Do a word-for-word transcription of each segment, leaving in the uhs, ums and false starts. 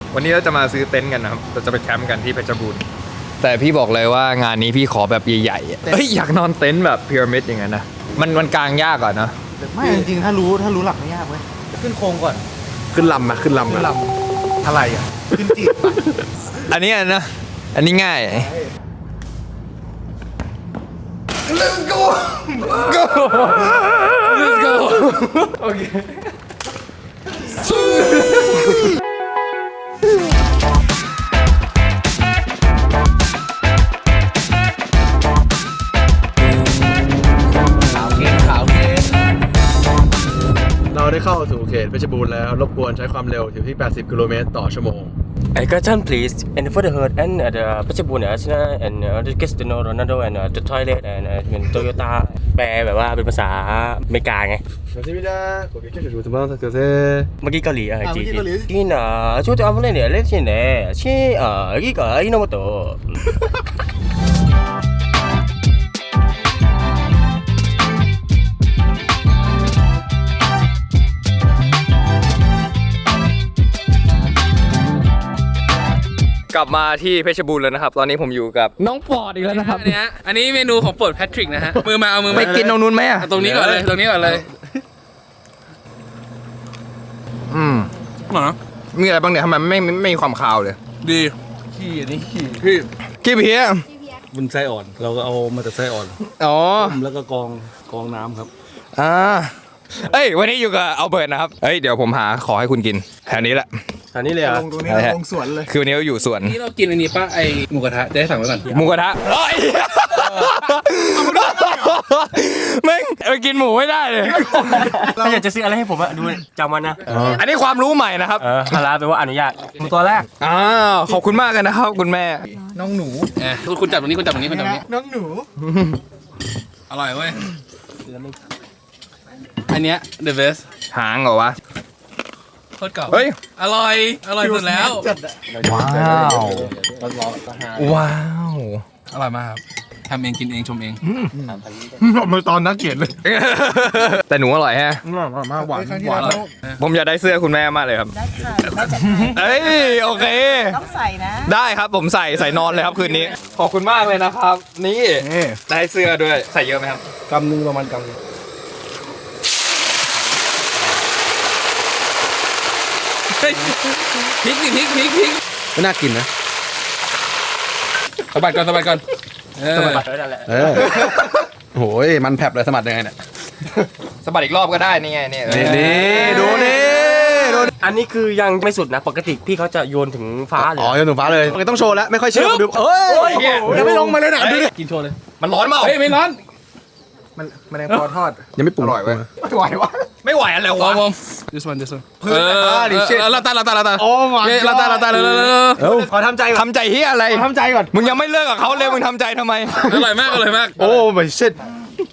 วันนี้เราจะมาซื้อเต็นท์กันนะครับเราจะไปแคมป์กันที่เพชรบูรณ์แต่พี่บอกเลยว่างานนี้พี่ขอแบบใหญ่ๆเฮ้ยอยากนอนเต็นท์แบบพีระมิดอย่างนั้นนะมันมันกางยากก่อนนะไม่จริงๆถ้ารู้ถ้ารู้หลักไม่ยากเว้ยขึ้นโครงก่อนขึ้นลำนะขึ้นลำขึ้นลำอะไรอ่ะขึ้นจีบอันนี้นะอันนี้ง่าย Let's go go Let's go โอเคเราได้เข้าสู่เขตเพชรบูรณ์แล้วรบกวนใช้ความเร็วอยู่ที่แปดสิบกิโลเมตรต่อชั่วโมง I got turn please and for the herd and uh, the Pachabun Arsenal and uh, the Cristiano Ronaldo and uh, the toilet and uh, Toyota แปลแบบว่าเป็นภาษาอเมริกาไงสวัสดีพี่ดาขอบคุณที่ดูทุกท่านเกิดเมื่อกี้เกาหลีเออจีจีที่น่ะช่วยตัวอะไรเนี่ยเล่นที่ไหนชื่อเอ่อกี่ก็อิโนโมโตะกลับมาที่เพชรบูรณ์แล้วนะครับตอนนี้ผมอยู่กับน้องปอดอีกแล้วนะครับอันนี้อันนี้เมนูของโปรดแพทริกนะฮะมือมาเอามือไม่กินตรงนู้นไหมอ่ะตรงนี้ก่อนเลยตรงนี้ก่อนเลยอืมหรอมีอะไรบ้างเนี่ยทำไมไม่ไม่ไม่มีความคาวเลยดีขี้อันนี้ขี้พี่กี่เพี้ยบุญไส้อ่อนเราก็เอามาจากไส้อ่อนอ๋อแล้วก็กองกองน้ำครับอ่าเอ้ยวันนี้อยู่กับอัลเบิร์ตนะครับเอ้ยเดี๋ยวผมหาขอให้คุณกินแถวนี้แหละอันนี้เลยอ่ะลงตรงนี้เราลงสวนเลยคือวันนี้เราอยู่สวนนี่เรากินอันนี้ป่ะไอหมูกระทะจะได้สั่งไว้ก่อนหมูกระทะเอ้ยแม่งไปกินหมูไม่ได้เลยถ้าอยากจะซื้ออะไรให้ผมอะดูจำมันนะอันนี้ความรู้ใหม่นะครับเออฮาลาแปลว่าอนุญาตตัวแรกอ้าวขอบคุณมากเลยนะครับคุณแม่น้องหนูเออคุณคุณจับตรงนี้คุณจับตรงนี้คุณจับตรงนี้น้องหนูอร่อยเว้ยอันเนี้ย the best หางเหรอวะโคตรเก่าเฮ้ยอร่อยอร่อยสุดแล้วว้าวว้าวอร่อยมากครับทำเองกินเองชมเองมาตอนนักเกียรติเลยแต่หนูอร่อยแฮะมาหวานหวานผมอยากได้เสื้อคุณแม่มากเลยครับได้ค่ะได้จัดให้เอ้ยโอเคต้องใส่นะได้ครับผมใส่ใส่นอนเลยครับคืนนี้ ขอบคุณมากเลยนะครับ นี่ได้เสื้อด้วยใส่เยอะไหมครับกำนึงประมาณกำนึงเฮ้ยพริกดิพริกพริกพริกไม่น่ากินนะสะบัดก่อนสะบัดก่อนเออเออโอ้ยมันแผลบเลยสมัดยังไงเนี่ยสะบัดอีกรอบก็ได้นี่ไงนี่นี่ดูนี่ดูอันนี้คือยังไม่สุดนะปกติพี่เขาจะโยนถึงฟ้าเลยอ๋อยังหนุ่มฟ้าเลยต้องโชว์แล้วไม่ค่อยเชื่อดูเอ้ยยังไม่ลงมาเลยนะดูดิกินโชว์เลยมันร้อนเปล่าเฮ้ยไม่ร้อนมันมันแดงพอทอดยังไม่ปรุงอร่อยเว้ยไม่ไหววะไม่ไหวอะไรวอวะร์มวอร์ม this one this one เพื่อนอ่าดิเช่เออเราตาเราตาเราตาโอ้ my เฮ้ยเราตาเราตาเร็วเร็วเร็วเอ้าขอทำใจก่อนทำใจเฮียอะไรขอทำใจก่อนมึงยังไม่เลิกกับเขาเลยมึงทำใจทำไมอร่อยมากอร่อยมากโอ้ไม่เช็ด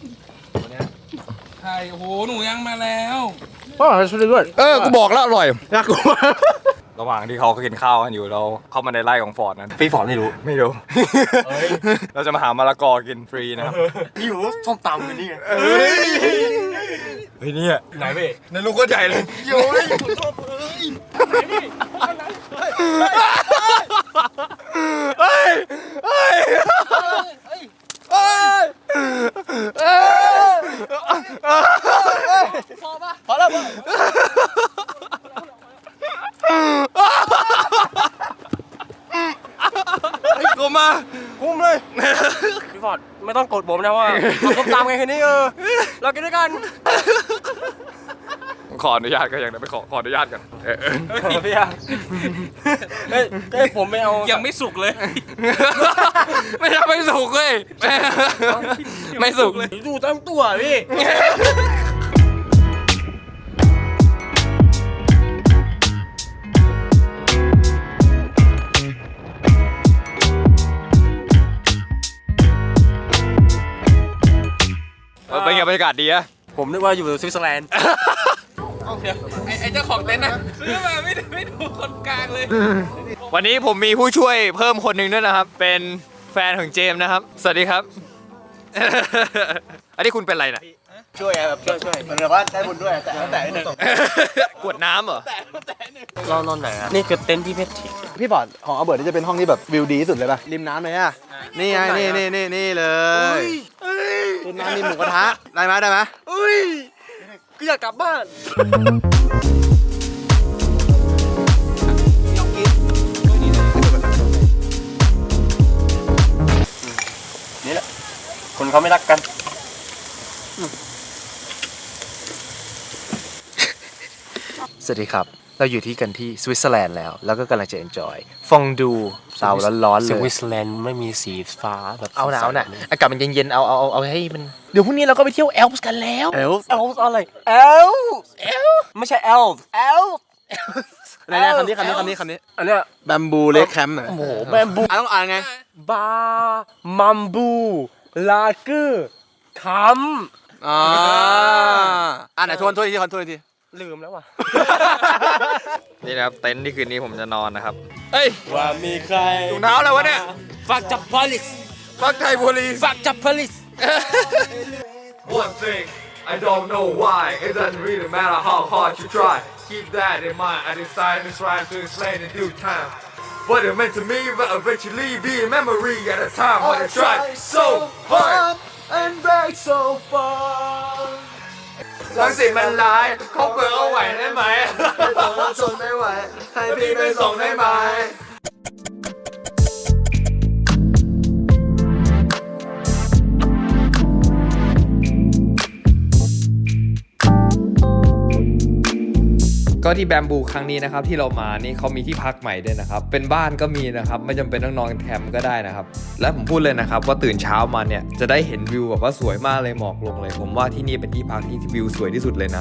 ใช่โอ้โหหนูยังมาแล้วพ่อช่วยด้วยเออกูบอกแล้วอร่อยน่ากลัวระหว่างที่เขากินข้าวกันอยู่เราเข้ามาในไร่ของฟอร์ดนั้นพี่ฟอร์ดไม่รู้ไม่รู้ เราจะมาหามะละกอกินฟรีนะครับพี่รู้ส้มตำกันนี่เฮ้ยเฮ้ยเนี่ยไหนเว้ยในลูกก็ใหญ่เลยโย้ยเฮ้ยเฮ้ยเฮ้ยพอปะพอแล้วกูมากุ้มเลยพี่ฟอร์ดไม่ต้องกดผมนะว่าเอาส้มตำไงคืนนี้เออเรากินด้วยกันขออนุญาตก็ยังนะไปขอขออนุญาตกันเออพี่อะเฮ้ยเฮ้ยผมไม่เอายังไม่สุกเลยไม่ทำไม่สุกเลยไม่สุกเลยดูตั้งตัวพี่เป็นไงบรรยากาศดีอะผมนึกว่าอยู่สวิตเซอร์แลนด์เดี๋ยวไอ้ไอ้เจ้าของเต็นท์นะซื้อมาไม่ไม่ดูคนกลางเลยวันนี้ผมมีผู้ช่วยเพิ่มคนหนึ่งด้วยนะครับ เป็นแฟนของเจมส์นะครับ สวัสดีครับ อันนี้คุณเป็นอะไรนะช่วยไงแบบช่วยช่วยเหมือนกับว่าได้บุญด้วยแต่แต่หนึ่งกวดน้ำเหรอนอนนอนไหนอ่ะนี่คือเต็นท์ที่เพชรทิพี่บอดของอัลเบิร์ตนี่จะเป็นห้องที่แบบวิวดีที่สุดเลยป่ะริมน้ำเลยอ่ะนี่ไงนี่นี่นี่นี่เลยริมน้ำมีหมูกระทะได้ไหมได้ไหมอุ้ยกูอยากกลับบ้านนี่แหละคนเขาไม่รักกันสวัสดีครับ เราอยู่ที่กันที่สวิตเซอร์แลนด์แล้ว แล้วก็กำลังจะ enjoy ฟองดูเตาร้อนๆเลสยวิตเซอร์แลนด์ไม่มีสีฟ้าแบบเอาหนาวน่ะอากาศมันเย็นๆเอาเอาเอาเอาให้มันเดี๋ยวพรุ่งนี้เราก็ไปเที่ยวแอลป์กันแล้วเอลเอลส์อะไรเอลเอลไม่ใช่เอลเอลไหนๆคำนี้คำนี้คำนี้คำนี้อันเนี้ยแบมบูเลคแคมป์หน่อยโอ้โหแบมบูอ่ะต้องอ่านไงบามัมบูลาเกอร์คัมอ่าอ่านไหนทวนทวนอีกทีทวนทวนอีกทีลืมแล้วว่ะนี่นะครับเต็นท์ที่คืนนี้ผมจะนอนนะครับเอ้ยว่ามีใครถุงเท้าอะไรวะเนี่ยฝากจับพลิสฟักไทยโพลีฝากจับพลิส One thing I don't know why it doesn't really matter how hard you try keep that in mind I decided to try to explain in due time what it meant to me but eventually be a memory at a time when I tried so hard and back so far ลังสิตมันร้ายเขาเปิดเอาไหวได้ไหมทนไม่ไหวให้พี่ไปส่งได้ไหมก็ที่แบมบูครั้งนี้นะครับที่เรามานี่เขามีที่พักใหม่ด้วยนะครับเป็นบ้านก็มีนะครับไม่จำเป็นต้องนอนแคมป์ก็ได้นะครับและผมพูดเลยนะครับว่าตื่นเช้ามาเนี่ยจะได้เห็นวิวแบบว่าสวยมากเลยหมอกลงเลยผมว่าที่นี่เป็นที่พักที่วิวสวยที่สุดเลยนะ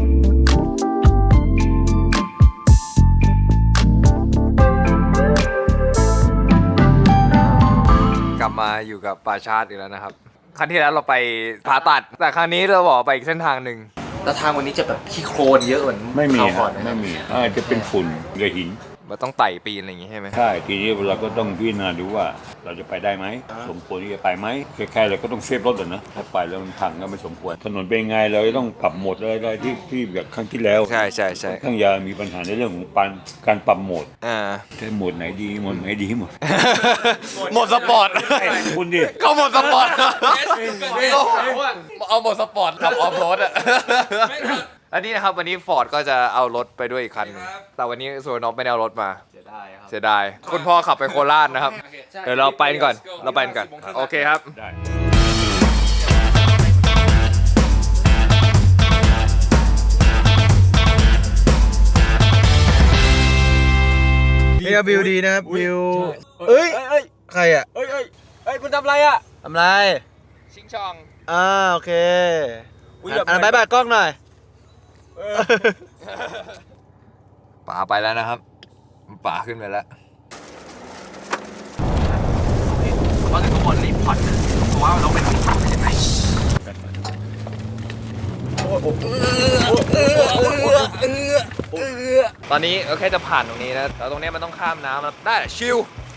กลับมาอยู่กับป่าชาติอีกแล้วนะครับครั้งที่แล้วเราไปผาตัดแต่ครั้งนี้เราบอกไปอีกเส้นทางหนึ่งแล้วทางวันนี้จะแบบขี้โคลนเยอะเหมือนไม่มีคราวก่อนฮะไม่มีอาจจะเป็นฝุ่นกับหินมันต้องไต่ปีนอะไรอย่างงี้ใช่ไหมใช่ ทีนี้เราก็ต้องพิจารณาดูว่าเราจะไปได้ไหม สมควรที่จะไปไหมคล้ายๆเราก็ต้องเซฟรถอะนะ ถ้าไปแล้วมันพังก็ไม่สมควร ถนนเป็นไงเราจะต้องปรับโหมดอะไรได้ที่ที่แบบครั้งที่แล้วใช่ใช่ใช่ข้างยามีปัญหาในเรื่องของปันการปรับโหมดอ่าแต่โหมดไหนดีโหมดไหนดีหมดหมดสปอร์ตคุณดิเขาหมดสปอร์ตเอาหมดสปอร์ตขับออฟโรดอะอันนี้นะครับวันนี้ฟอร์ดก็จะเอารถไปด้วยอีกคันหนึ่งแต่วันนี้ส่วนน้องไม่ได้เอารถมาเสียดายครับเสียดายคุณพ่อขับไปโคราชนะครับเดี๋ยวเราไปกันก่อนเราไปกันก่อนโอเคครับได้นี่ก็วิวดีนะครับวิวเอ้ยเอ้ยใครอ่ะเอ้ยเอ้ยเอ้ยคุณทำอะไรอ่ะทำไรชิงช่องอ่าโอเคอุ๊ยอย่าอ่านบายบายกล้องหน่อยป๋าไปแล้วนะครับป๋าขึ้นไปแล้วว่าแต่ทุกคนรีบผ่อนนะเพราะว่าเราไปทำข่าวใช่ไหมตอนนี้เราแค่จะผ่านตรงนี้นะแล้วตรงนี้มันต้องข้ามน้ำแล้วได้แหละชิล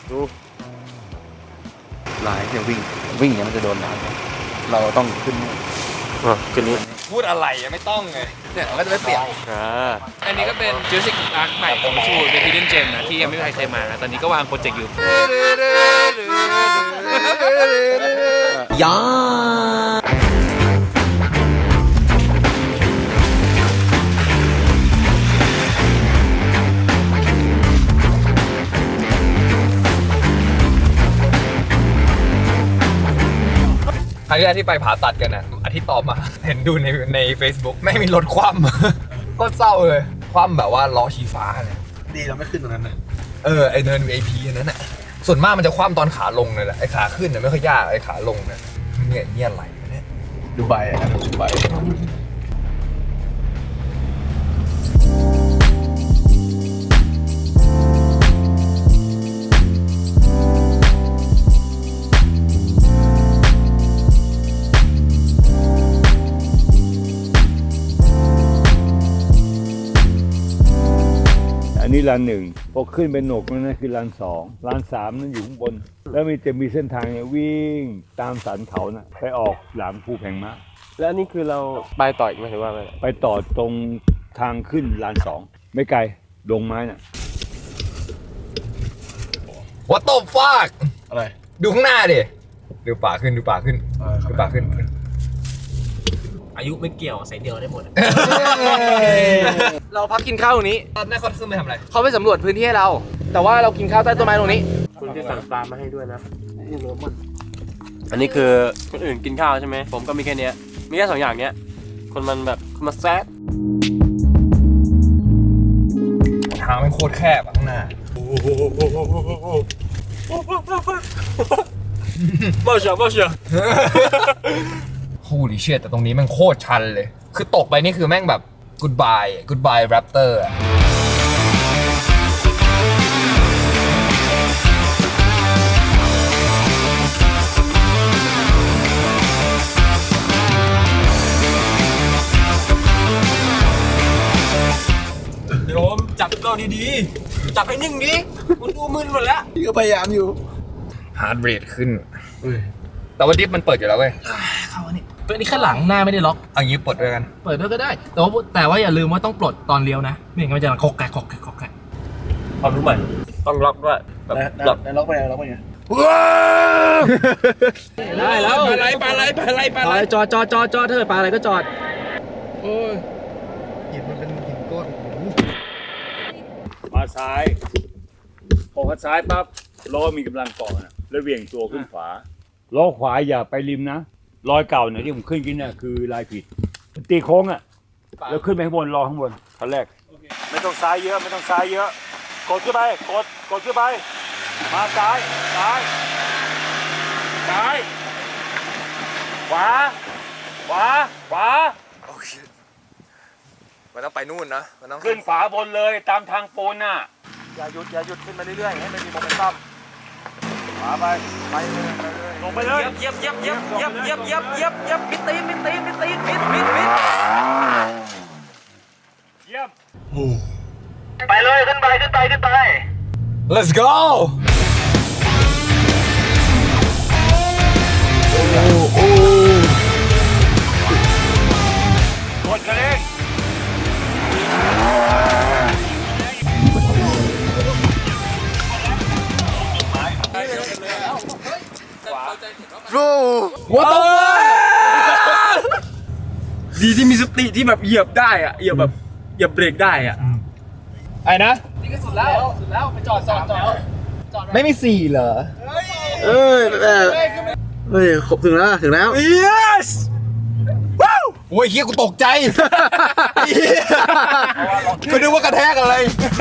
ลายที่วิ่งวิ่งอย่างนี้มันจะโดนน้ำเราต้องขึ้นคืนนี้พูดอะไรยังไม่ต้องไงเนี่ยมันก็จะไม่เปียกอ่าอันนี้ก็เป็น Jurassic Park ใหม่ของชูเป็น Hidden Gem นะที่ยังไม่มีใครเคยมานะตอนนี้ก็วางโปรเจกต์อยู่ยาครั้งที่แรกที่ไปผ่าตัดกันนะอาทิตย์ต่อมา เห็นดูในใน Facebook ไม่มีรถคว่ำ ก็เศร้าเลย คว่ำแบบว่าล้อชี้ฟ้าเลยดีเราไม่ขึ้นตรงนั้นนะเออไอเนิน วี ไอ พี อันนั้นน่ะส่วนมากมันจะคว่ำตอนขาลงเลยแหละไอขาขึ้นเนี่ยไม่ค่อยยากไอขาลงเนี่ยเนี่ยเนี่ยอะไรวะเนี่ยดูใบอ่ะดูใบอันนี้ลานหนึ่งพอขึ้นเป็นหนกนั่นคือลานสองลานสามนั่นอยู่ข้างบน แล้วมีจะมีเส้นทางเนี่ยวิ่งตามสันเขาน่ะไปออกหลังภูแผงม้าแล้วอันนี้คือเราไปต่ออีกไหมหรือว่าไงไปต่อตรงทางขึ้นลานสองไม่ไกลดงไม้น่ะ What the fuck อะไรดูข้างหน้าดิดูป่าขึ้นดูป่าขึ้นดูป่าขึ้นอายุไม่เกี่ยวใส่เดียวได้หมดเราพักกินข้าวตรงนี้ตอนแรกเขาขึ้นไปทำอะไรเขาไปสำรวจพื้นที่ให้เรา แต่ว่าเรากินข้าวใต้ต้นไม้ตรงนี้คุณที่สั่งปลามาให้ด้วยนะอันนี้คือคนอื่นกินข้าวใช่ไหมผมก็มีแค่เนี้ยมีแค่สองอย่างเนี้ยคนมันแบบคนมาแซดทางมันโคตรแคบอะข้างหน้าบ้าเชียวบ้าเชียว Holy shit แต่ตรงนี้แม่งโคตรชันเลย คือตกไปนี่คือแม่งแบบ goodbye goodbye raptor อะโยมจับเราดีๆจับให้นิ่งดิคุณดูมึนหมดแล้วพี่ก็พยายามอยู่ heart rate ขึ้น แต่ว่าดิฟมันเปิดอยู่แล้วเว้ยเข้าอันนี้ตัวนี้แค่หลังหน้าไม่ได้ล็อกเอางี้ปลดด้วยกันเปิดด้วยก็ได้ แต่ว่าแต่ว่าอย่าลืมว่าต้องปลดตอนเลี้ยวนะไม่งั้นมันจะคกแกะคกแกะคกแกะความรู้ใหม่ต้องล็อกด้วยแบบล็อกแล้วล็อกไปไงล็อกไปไงได้แล้วปลาไหลปลาไหลปลาไหลปลาไหลจอดจอดจอดจอดเถอะปลาอะไรก็จอดโอ้ยหินมันเป็นหินก้อนมาซ้ายพอพัดซ้ายปั๊บล้อมีกำลังเกาะนะแล้วเหวี่ยงตัวขึ้นขวาล้อขวาอย่าไปริมนะรอยเก่าเนี่ยที่ผมขึ้นกินเนี่ยคือลายผิดมันตีโค้งอ่ะแล้วขึ้นไปข้างบนรอข้างบนขั้นแรกไม่ต้องซ้ายเยอะไม่ต้องซ้ายเยอะกดขึ้นไปกดกดขึ้นไปมาซ้ายซ้ายซ้ายขวาขวาขวามันต้องไปนู่นนะมันต้องขึ้นขวาบนเลยตามทางปูนน่ะอย่าหยุดอย่าหยุดขึ้นมาเรื่อยๆให้มันมีโมเมนตัมขวาไปไปเลยไปเลยลงไปเลยเย็บเย็บเย็บเย็บเย็บเย็บเย็บเย็บมิดตีนมิดตีนมิดตีนมิดมิดมิดเยี่ยมไปเลยขึ้นไปขึ้นไปขึ้นไป let's go กดกระเด้ง What the fuck ดีที่มีสติที่แบบเหยียบได้อะเหยียบแบบเหยียบเบรกได้อะไอ้นะนี่ก็สุดแล้วสุดแล้วไปจอดจอดจอดไม่มีสี่เหรอเอ้ยแต่เฮ้ยครบถึงแล้วถึงแล้ว yes ว้าวโอ้ยเฮียกูตกใจเหี้ยกูนึกว่ากระแทกอะไร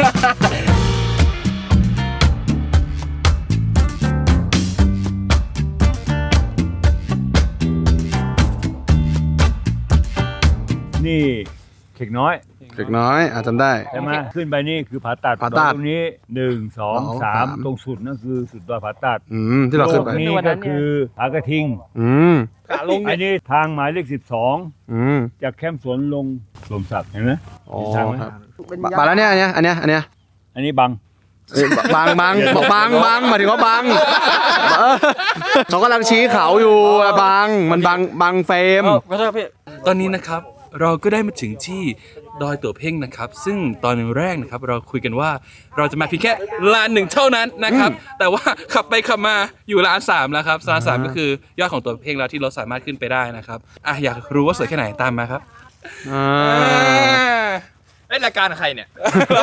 นี่เข็กน้อยเล็กน้อยอาจจำได้ใช่ไหมขึ้นไปนี่คือผาตัดผาตัดตรงนี้หนึ่งสองสองสามสามตรงสุดนั่นคือสุดดอยผาตัดอืมที่เราขึ้นไปโลกนี้ก็คือผากระทิงอืมอันนี้ทางหมายเลขสิบสองอืมจากแคมป์สวนลงลมศักดิ์เห็นไหมอ๋อทางไหมครับบาแล้วเนี่ยอันเนี้ยอันเนี้ยอันเนี้ยอันนี้บังเอ้ยบางบางบอกบางบางหมายถึงว่าบางเออเขากำลังชี้เขาอยู่อะบางมันบางบางเฟรมก็ใช่พี่ตอนนี้นะครับเราก็ได้มาถึงที่ดอยตัวเพ่งนะครับ ซึ่งตอนแรกนะครับเราคุยกันว่าเราจะมาเพียงแค่ลานหนึ่งเท่านั้นนะครับ แต่ว่าขับไปขับมาอยู่ลานสามแล้วครับลานสามก็คือยอดของตัวเพ่งแล้วที่รถสามารถขึ้นไปได้นะครับอ่ะอยากรู้ว่าสวยแค่ไหนตามมาครับอ่าเอ้ยรายการใครเนี่ย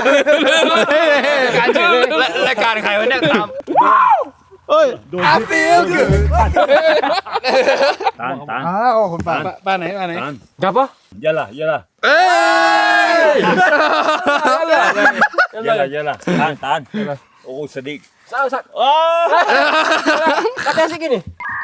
การเฉยเลยรายรายการใครวะเนี่ยตามเอ้ยโดนที่ feel good ตานตานอ้าวคนป่าบ้านไหนบ้านไหนตานกลับปะเยอะละเยอะละเอ้ยเยอะละเยอะละตานตานโอ้สดิกสาวสักโอ้ kata sih gini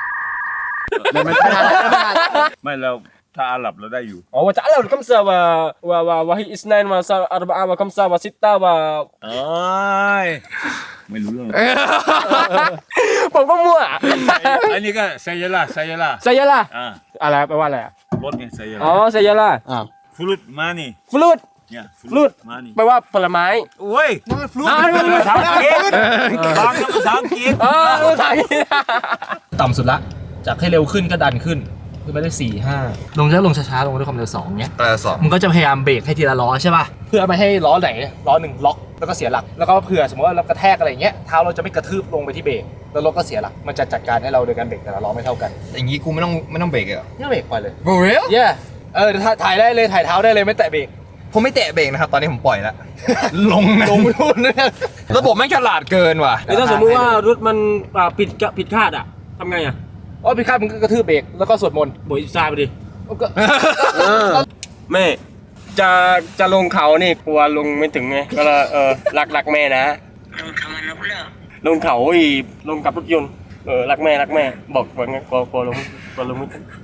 ไม่เราถ้าอาหรับเราได้อยู่ oh wa ta'ala wa kamsa wa wa wa wahi isnain wa sa arba'a wa kamsa wa sitta wa เอ้ยไม่รู้เรื่องผมก็มั่วอันนี้ก็ไซยาล่าไซยาล่า saya lah อ่าอะไรแปลว่าอะไรอ่ะรถไงไซยาล่าอ๋อ saya lah อ้าวฟลุตมานี่ fruit เนี่ย fruit มานี่แปลว่าผลไม้โอ้ยอ้าวนี่มันภาษาอังกฤษบางภาษาอังกฤษอ๋อภาษาอังกฤษต่ำสุดละจากให้เร็วขึ้นก็ดันขึ้นคือไม่ได้สี่ห้าลงจะลงช้าๆลงด้วยความเร็วสองเนี้ยแต่สองมึงก็จะพยายามเบรกให้ทีละล้อใช่ป่ะเพื่อไม่ให้ล้อไหนล้อหนึ่งล็อกแล้วก็เสียหลักแล้วก็เผื่อสมมติว่าเรากระแทกอะไรอย่างเงี้ยเท้าเราจะไม่กระทืบลงไปที่เบรกแล้วรถก็เสียหลักมันจะจัดการให้เราโดยการเบรกแต่ละล้อไม่เท่ากันอย่างงี้กูไม่ต้องไม่ต้องเบรกเหรอไม่เบรกปล่อยเลย For real เย่เออถ่ายได้เลยถ่ายเท้าได้เลยไม่แตะเบรกผมไม่แตะเบรกนะครับ ตอนนี้ผมปล่อยแล้ว ลงนะลงนู่นเนี่ยระบบแม่งฉลาดเกินว่ะหรือถ้าสมมุติว่ารถมันอ่าผิดกะผิดคาดอ่ะทำไงอ่ะอ๋อพี่คาดมึงก็กระทืบเบรกแล้วก็สวดมนต์โบยซาไปดิก็แม่จะจะลงเขานี่กลัวลงไม่ถึงไงก็เลยเออรักรักแม่นะลงเขามันลงเลยลงเขาอีลงกับรถยนต์เออรักแม่รักแม่บอกว่างั้นกลัวกลัวลงกลัวลงไม่ถึง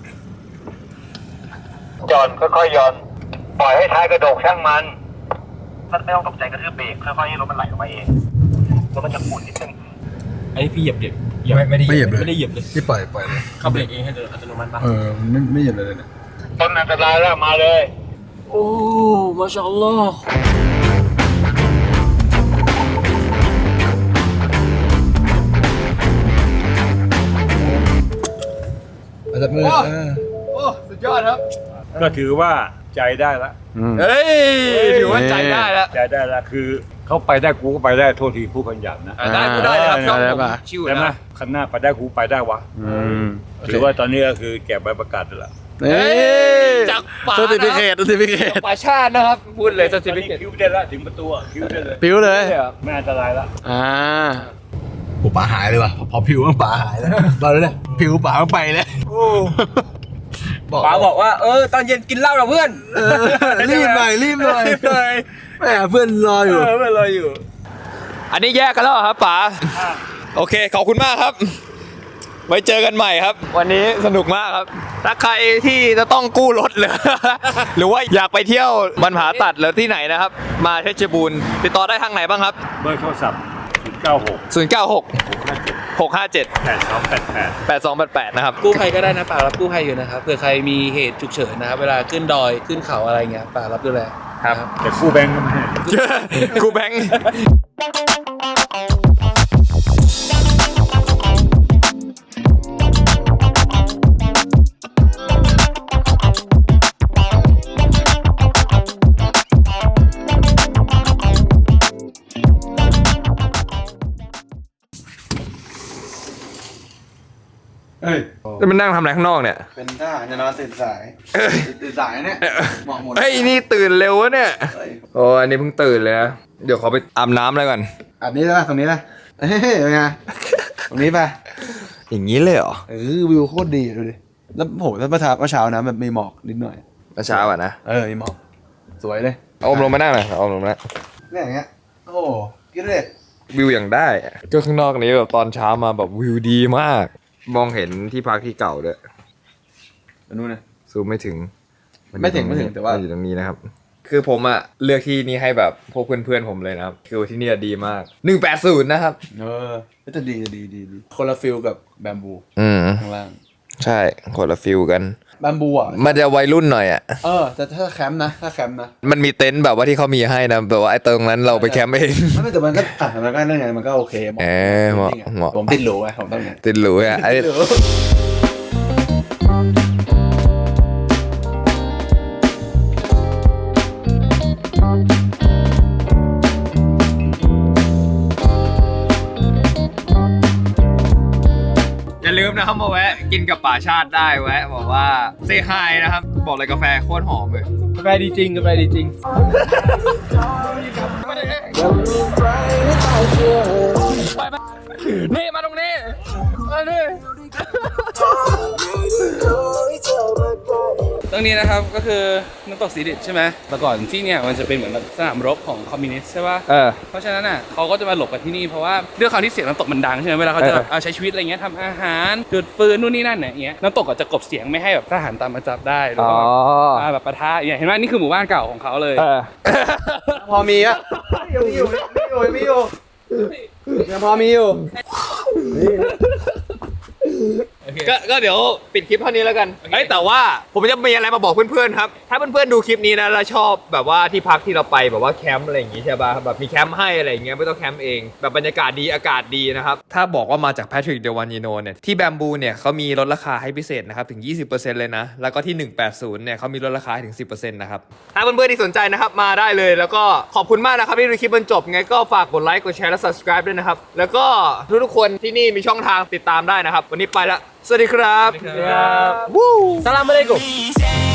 ย่อนค่อยๆย่อนปล่อยให้ท้ายกระโดกช่างมันมันไม่ต้องตกใจกระทืบเบรกค่อยๆให้รถมันไหลออกมาเองแล้วมันจะหมุนนิดนึงอันนี้พี่เหยียบเด็กไม่ไม่ได้เหยียบเลยไม่ได้เหยียบเลยที่ปล่อยปล่อยเลยเข้าเบรกเองให้อัตโนมัติปะเออไม่ไม่เหยียบเลยเนี่ยต้นอันตรายแล้วมาเลยโอ้มาชาอัลลอฮ์อาจจะมือโอ้สุดยอดครับก็ถือว่าใจได้ละเฮ้ยถือว่าใจได้แล้วใจได้ละคือเขาไปได้กูก็ไปได้โทษทีผู้พันหยาบนะอ่ะได้กูได้เลยครับช่องผมชิวใช่ไหมนะข้างหน้าไปได้กูไปได้วะถือว่าตอนนี้ก็คือแกะใบประกาศแล้วเฮ้ยจากป่าสติฟิเคตสติฟิเคตป่าชาตินะครับพูดเลยสตติอนฟินี้เคตคิวได้ละถึงประตูอะคิวได้เลยผิวเลยไม่อันตรายละอ่าโอ้ป่าหายเลยว่ะพอผิวมันป่าหายแล้วตอนนี้เลยผิวป่ามันไปเลยป๋าบอกว่าเออตอนเย็นกินเหล้ากับเพื่อนเออรีบหน่อยรีบหน่อยแม่เพื่อนรออยู่เออเพื่อนรออยู่อันนี้แยกกันแล้วเหรอครับป๋าโอเคขอบคุณมากครับ ไว้เจอกันใหม่ครับ วันนี้สนุกมากครับ ถ้าใครที่จะต้องกู้รถหรือ หรือว่าอยากไปเที่ยวบรรพาตัดหรือที่ไหนนะครับ มาเพชรบูรณ์ติดต่อได้ทางไหนบ้างครับเบอร์โทรศัพท์ศูนย์เก้าหกศูนย์ เก้า หก หก ห้า เจ็ดแปดสองแปดแปดแปด สอง แปด แปดนะครับกู้ภัยก็ได้นะป่ารับกู้ภัยอยู่นะครับเผื่อใครมีเหตุฉุกเฉินนะครับเวลาขึ้นดอยขึ้นเขาอะไรเงี้ยป่ารับดูแลครับนะแต่กู้แบงก์ก็ไม่ให้กูแบงค์เฮ้ยแล้วมันนั่งทำอะไรข้างนอกเนี่ยเป็นทหารจะนอนตื่นสายตื่นสายเนี่ยเหมาะหมดเฮ้ยนี่ตื่นเร็ววะเนี่ยเฮ้ยโอ้อันนี้เพิ่งตื่นเลยนะ เดี๋ยวขอไปอาบน้ำเลยก่อนอันนี้นะตรงนี้นะเฮ้ยเป็นไงตรงนี้ไปอย่างนี้เลยเหรอเออวิวโคตรดีดูดิแล้วโหถ้าเมื่อเช้าเมื่อเช้านะแบบมีหมอกนิดหน่อยเมื่อเช้าอ่ะนะเออมีหมอกสวยเลยเอาอมลงมานั่งหน่อยเอาอมลงมานั่งเนี่ยอย่างเงี้ยโอ้โหคิดเลยวิวอย่างได้อะก็ข้างนอกนี้แบบตอนเช้ามาแบบวิวดีมาก มองเห็นที่พักที่เก่าด้วยอันนู้นนะซูมไม่ถึงนอยู่ไม่ถึงไม่ถึงแต่ว่านอยู่ตรงนี้นะครับ คือผมอะเลือกที่นี่ให้แบบพวกเพื่อนๆผมเลยนะครับ คือที่นี่ดีมากหนึ่งแปดศูนย์นะครับเออจะดีจะดีดีดีคนละฟิลกับแบมบูอืมข้างล่างใช่คนละฟิลกันแบมบูอ่ะมันจะวัยรุ่นหน่อยอะเออแต่ถ้าแคมป์นะถ้าแคมป์นะมันมีเต็นท์แบบว่าที่เขามีให้นะแบบว่าไอ้ตรงนั้นเราไปแคมป์เองไม่แต่มันก็อ่ะมันก็นั่นไงมันก็โอเคหมาะเออเหมาะจริงๆเหมาะผมติดหรูไงผมต้องเนี่ยติดหรูอะไอ้ติดหรูอย่าลืมนะครับมาแวะกินกับป่าชาติได้แวะบอกว่าเซฮายนะครับ บอกเลยกาแฟโคตรหอมเลยกาแฟดีจริงกาแฟดีจริงนี่มาตรงนี้มาดิตรงนี้นะครับก็คือน้ำตกสีดิบใช่ไหมแต่ก่อนที่เนี่ยมันจะเป็นเหมือนแบบสนามรบของคอมมิวนิสต์ใช่ป่ะเออเพราะฉะนั้นอ่ะเขาก็จะมาหลบกันที่นี่เพราะว่าด้วยความที่เสียงน้ำตกมันดังใช่ไหมเวลาเขาจะเออเอาใช้ชีวิตอะไรเงี้ยทำอาหารจุดฟืนนู่นนี่นั่นเนี่ยอย่างเงี้ยน้ำตกก็จะกลบเสียงไม่ให้แบบทหารตามมาจับได้หรืออ๋อว่ามาแบบปะทะอย่างเงี้ยเห็นไหมนี่คือหมู่บ้านเก่าของเขาเลยเออพอมีอ่ะมีอยู่มีอยู่มีอยู่ยังพอมีอยู่โอเคก็ก็เดี๋ยวปิดคลิปเท่านี้แล้วกันเฮ้ยแต่ว่าผมจะมีอะไรมาบอกเพื่อนๆครับถ้าเพื่อนๆดูคลิปนี้นะแล้วชอบแบบว่าที่พักที่เราไปแบบว่าแคมป์อะไรอย่างงี้ใช่ป่ะแบบมีแคมป์ให้อะไรอย่างเงี้ยไม่ต้องแคมป์เองแบบบรรยากาศดีอากาศดีนะครับถ้าบอกว่ามาจาก Patrick Delvagno เนี่ยที่แบมบูเนี่ยเขามีลดราคาให้พิเศษนะครับถึง ยี่สิบเปอร์เซ็นต์ เลยนะแล้วก็ที่หนึ่งแปดศูนย์เนี่ยเขามีลดราคาให้ถึง สิบเปอร์เซ็นต์ นะครับถ้าเพื่อนๆที่สนใจนะครับมาได้เลยแล้วก็ขอบคุณมากนะครับที่ดูคลิปจนจบไงก็ฝากกดไลค์กดแชร์และ subscribe ด้วยนะครับแล้วก็ทุกๆคนที่นี่มีช่องทางติดตามได้นะครับวันนี้ไปละสวัสดีครับสลามอะลัยกุม